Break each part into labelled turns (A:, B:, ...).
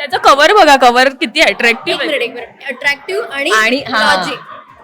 A: त्याचं कव्हर बघा, कव्हर किती अट्रॅक्टिव्ह आहे.
B: अट्रॅक्टिव्ह आणि
C: आणि
B: लॉजिक.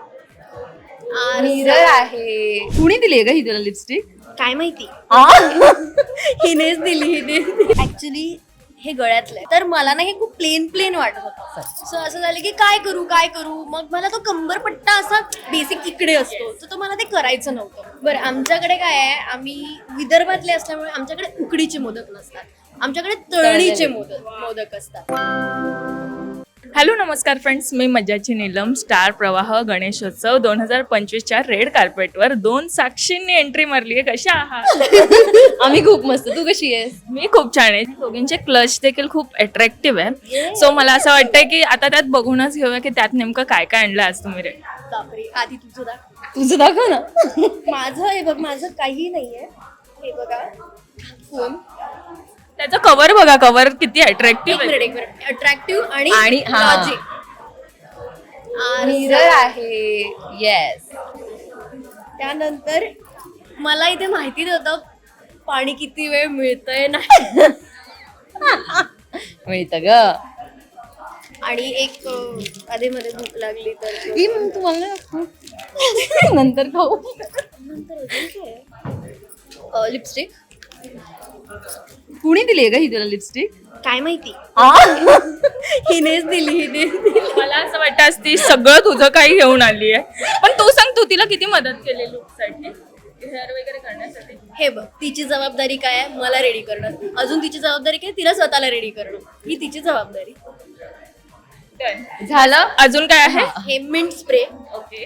C: मिरर आहे. कुणी दिली का ही तुला लिपस्टिक?
B: काय माहिती हिनेच दिली. ऍक्च्युली हे गळ्यातलं आहे, तर मला ना हे खूप प्लेन वाटत होतं. सो असं झालं की काय करू. मग मला तो कंबरपट्टा असा बेसिक इकडे असतो, तर तो मला ते करायचं नव्हतं. बरं, आमच्याकडे काय आहे, आम्ही विदर्भातले असल्यामुळे आमच्याकडे उकडीचे मोदक नसतात, आमच्याकडे तळणीचे मोदक असतात.
A: हॅलो नमस्कार फ्रेंड्स, मी मज्जाची नीलम. स्टार प्रवाह गणेशोत्सव 2025च्या रेड कार्पेटवर 2 साक्षींनी एंट्री मारली आहे. कशा आहात?
C: आम्ही खूप मस्त. तू कशी आहेस?
A: मी खूप छान आहे. दोघींचे क्लच देखील खूप अट्रॅक्टिव्ह आहे. सो मला असं वाटतंय की आता त्यात बघूनच घेऊया की त्यात नेमकं काय काय आणलं आज तुम्ही रे.
B: बापरे, आधी तुझं दाखव ना. माझं हे बघ, माझं काही नाहीये. हे बघा फोन,
A: त्याचं कव्हर बघा, कव्हर किती अट्रॅक्टिव्ह आहे.
B: अट्रॅक्टिव्ह आणि
C: लॉजिक. मिरर आहे. येस.
B: त्यानंतर मला इथे माहिती नव्हतं पाणी किती वेळ मिळतंय नाही.
C: मिळतं ग.
B: आणि एक आधीमध्ये भूक लागली तर
C: ही मग तू मला नंतर खाऊ.
B: लिपस्टिक.
C: कुणी दिली का ही तुला लिपस्टिक?
B: काय माहिती हिनेच दिली.
A: मला असं वाटतं आज ती सगळं तुझं काही घेऊन आली आहे. पण तू सांग, तू तिला किती मदत केली लुकसाठी, हेअर वगैरे करण्यासाठी?
B: हे बघ, तिची जबाबदारी काय आहे, मला रेडी करणं. अजून तिची जबाबदारी काय, तिला स्वतःला रेडी करणं. ही तिची जबाबदारी.
A: झालं. अजून काय आहे?
B: हे मिंट स्प्रे.
A: ओके.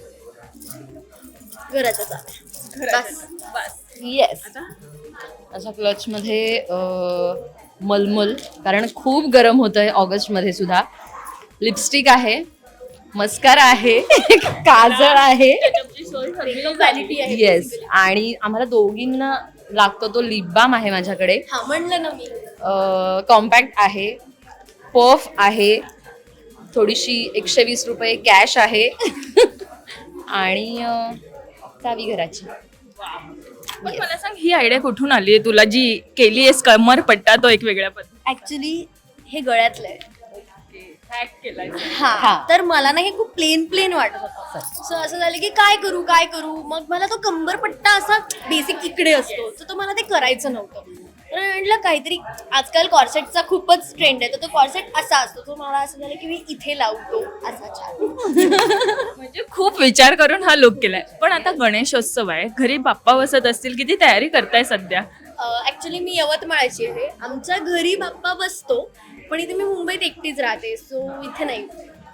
B: घराच्या चाव्या. बस.
C: येस. अशा क्लच मध्ये मलमल, कारण खूप गरम होतंय ऑगस्ट मध्ये सुद्धा. लिपस्टिक आहे, मस्कारा आहे, काजळ आहे.
B: व्हॅनिटी आहे.
C: येस. आणि आम्हाला दोघींना लागतो तो लिप बाम आहे माझ्याकडे.
B: हा, म्हणलं ना मी.
C: कॉम्पॅक्ट आहे, पफ आहे, थोडीशी 120 रुपये कॅश आहे आणि चावी घराची.
A: पण मला सांग, ही आयडिया कुठून आली आहे तुला, जी केली आहेस कमर पट्टा तो एक वेगळ्या पद्धती?
B: ऍक्च्युली हे गळ्यातलं आहे.
A: हॅक केलाय.
B: हा, तर मला ना हे खूप प्लेन वाटत होतं. सो असं झालं की काय करू. मग मला तो कंबरपट्टा असा बेसिक इकडे असतो, तर तो मला ते करायचं नव्हतं. तर म्हटलं काहीतरी, आजकाल कॉर्सेटचा खूपच ट्रेंड आहे, तर तो कॉर्सेट असा असतो. तो मला असं झालं की मी इथे लावतो असा छान.
A: म्हणजे खूप विचार करून हा लुक केलाय. पण आता गणेशोत्सव आहे, घरी बाप्पा बसत असतील, किती तयारी करताय सध्या?
B: ऍक्च्युली मी यवतमाळची आहे. आमच्या घरी बाप्पा बसतो, पण इथे मी मुंबईत एकटीच राहते, सो इथे नाही.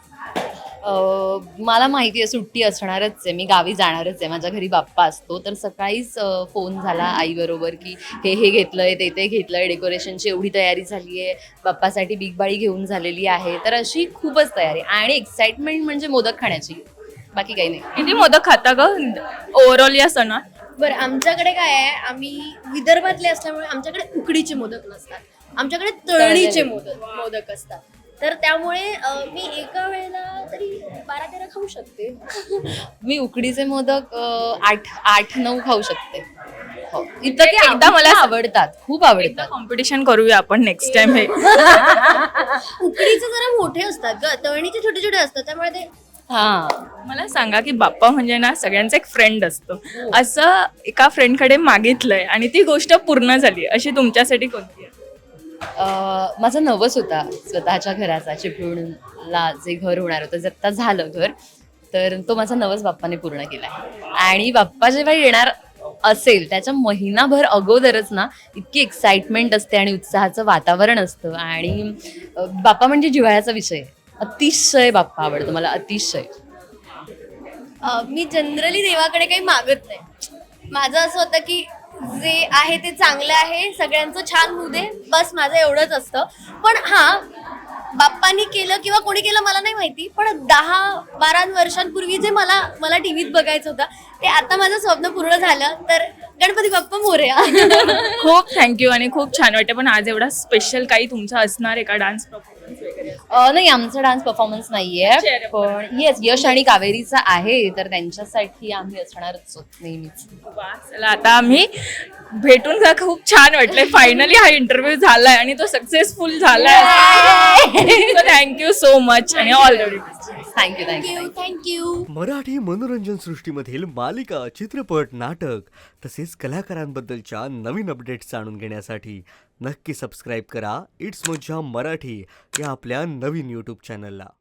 C: मला माहिती आहे सुट्टी असणारच आहे, मी गावी जाणारच आहे, माझ्या घरी बाप्पा असतो. तर सकाळीच फोन झाला आई बरोबर की हे घेतलंय, ते घेतलंय, डेकोरेशनची एवढी तयारी झाली आहे, बाप्पासाठी बिग बाळी घेऊन झालेली आहे. तर अशी खूपच तयारी आणि एक्साइटमेंट म्हणजे मोदक खाण्याची, बाकी काही नाही.
A: किती मोदक खाता ग ओव्हरऑल या सणात?
B: बरं, आमच्याकडे काय आहे, आम्ही विदर्भातले असल्यामुळे आमच्याकडे उकडीचे मोदक नसतात, आमच्याकडे तळणीचे मोदक असतात. तर त्यामुळे मी एका वेळेला तरी 12-13 खाऊ शकते.
C: मी उकडीचे मोदक 8-9 खाऊ शकते. हो, इतकं ते
A: एकदा मला
C: आवडतात, खूप आवडतात.
A: कॉम्पिटिशन करूया आपण नेक्स्ट टाइम. हे
B: उकडीचे जरा मोठे असतात ग, तळणीचे छोटे असतात, त्यामुळे ते.
C: हा,
A: मला सांगा की बाप्पा म्हणजे ना सगळ्यांचा एक फ्रेंड असतो. असं एका फ्रेंडकडे मागितलंय आणि ती गोष्ट पूर्ण झाली, अशी तुमच्यासाठी कोणती आहे?
C: माझा नवस होता स्वतःच्या घराचा, चिपळूणला जे घर होणार होतं, जे आत्ता झालं घर, तर तो माझा नवस बाप्पाने पूर्ण केलाय. आणि बाप्पा जेव्हा येणार असेल त्याच्या महिनाभर अगोदरच ना इतकी एक्साइटमेंट असते आणि उत्साहाचं वातावरण असतं. आणि बाप्पा म्हणजे जिव्हाळ्याचा विषय, अतिशय बाप्पा आवडतो मला, अतिशय.
B: मी जनरली देवाकडे काही मागत नाही. माझं असं होतं की जे आहे ते चांगलं आहे, सगळ्यांचं छान होऊ दे, बस माझं एवढंच असतं. पण हा, बाप्पानी केलं किंवा कोणी केलं मला नाही माहिती, पण 10-12 वर्षांपूर्वी जे मला टीव्हीत बघायचं होतं, ते आता माझं स्वप्न पूर्ण झालं. तर गणपती बाप्पा मोरया.
A: खूप थँक्यू आणि खूप छान वाटतं. पण आज एवढा स्पेशल काही तुमचा असणार आहे का, डान्स परफॉर्मन्स वगैरे?
C: नाही, आमचा डान्स परफॉर्मन्स नाहीये, पण येस, यश आणि कावेरीचा आहे, तर त्यांच्यासाठी आम्ही असणारच नेहमीच.
A: चला, आता आम्ही भेटून खूप छान वाटलंय. फायनली हा इंटरव्ह्यू झालाय आणि तो सक्सेसफुल झालाय. सो थँक्यू सो मच आणि all the best.
C: Thank you thank you
B: thank you.
D: Marathi मनोरंजन सृष्टीमधील मालिका, चित्रपट, नाटक तसेच कलाकारांबद्दलच्या नवीन अपडेट्स जाणून घेण्यासाठी नक्की सबस्क्राईब करा इट्स मज्जा मराठी या आपल्या नवीन यूट्यूब चॅनलला.